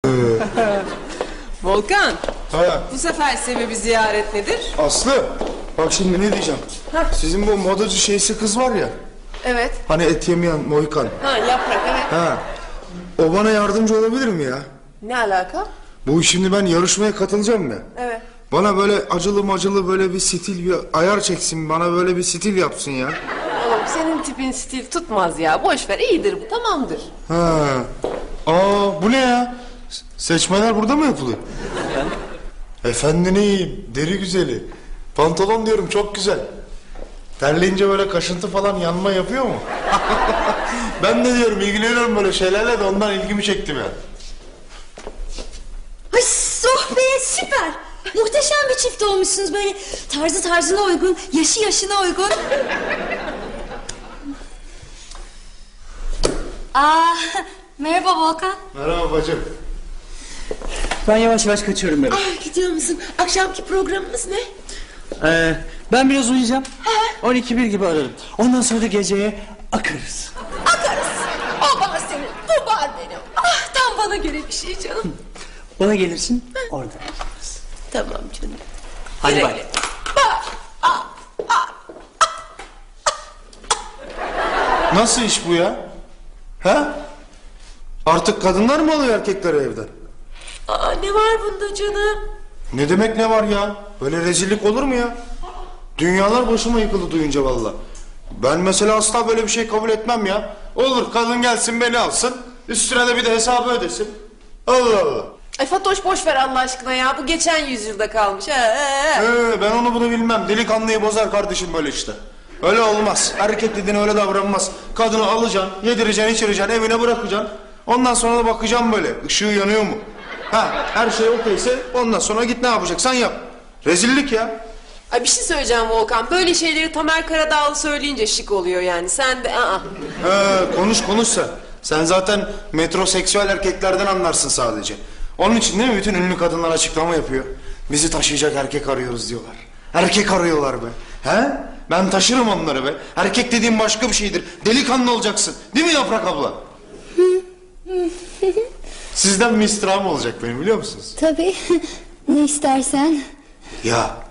Volkan, Ha, bu sefer sebebi ziyaret nedir? Aslı, bak şimdi ne diyeceğim. Hah. Sizin bu modacı şeysi kız var ya, Evet. hani et yemeyen Mohikan. Ha, yaprak, evet. Ha, o bana yardımcı olabilir mi ya? Ne alaka? Bu şimdi ben yarışmaya katılacağım ya. Evet. Bana böyle acılı macılı böyle bir stil, bir ayar çeksin, bana böyle bir stil yapsın ya. Oğlum senin tipin stil tutmaz ya. Boş ver, iyidir bu, tamamdır. Ha. Aa, bu ne ya? Seçmeler burada mı yapılıyor? Efendineyim, deri güzeli. Pantolon diyorum, çok güzel. Terleyince böyle kaşıntı falan yanma yapıyor mu? Ben de diyorum, ilgileniyorum böyle şeylerle de ondan ilgimi çekti ya. Ay oh be, süper. Muhteşem bir çift olmuşsunuz, böyle tarzı tarzına uygun, yaşı yaşına uygun. Merhaba Volkan. Merhaba bacım. Ben yavaş yavaş kaçıyorum benim. Gidiyor musun? Akşamki programımız ne? Ben biraz uyuyacağım. 12-1 gibi ararım. Ondan sonra da geceye akarız. Akarız. O bana senin, bu var benim. Ah, tam bana göre bir şey canım. Bana gelirsin, orada yaparız. Tamam canım. Hadi Güle bay. güle. Nasıl iş bu ya? Ha? Artık kadınlar mı alıyor erkekleri evden? Aa, ne var bunda canım? Ne demek ne var ya? Böyle rezillik olur mu ya? Dünyalar başıma yıkıldı duyunca valla. Ben mesela asla böyle bir şey kabul etmem ya. Olur, kadın gelsin beni alsın, üstüne de bir de hesabı ödesin. Allah Allah. Ay Fatoş, boş ver Allah aşkına ya. Bu geçen yüzyılda kalmış. Ben onu bunu bilmem. Delikanlıyı bozar kardeşim böyle işte. Öyle olmaz. Erkek dediğin öyle davranmaz. Kadını alacaksın, yedireceksin, içireceksin, evine bırakacaksın. Ondan sonra da bakacaksın böyle. Işığı yanıyor mu? Ha, her şey okeyse ondan sonra git ne yapacaksan yap. Rezillik ya. Ay bir şey söyleyeceğim Volkan. Böyle şeyleri Tamer Karadağlı söyleyince şık oluyor yani. Sen de Konuş sen. Sen zaten metroseksüel erkeklerden anlarsın sadece. Onun için değil mi bütün ünlü kadınlar açıklama yapıyor. Bizi taşıyacak erkek arıyoruz diyorlar. Erkek arıyorlar be. He? Ben taşırım onları be. Erkek dediğim başka bir şeydir. Delikanlı olacaksın. Değil mi Yaprak abla? Sizden bir istirham olacak benim, biliyor musunuz? Tabii, ne istersen. Ya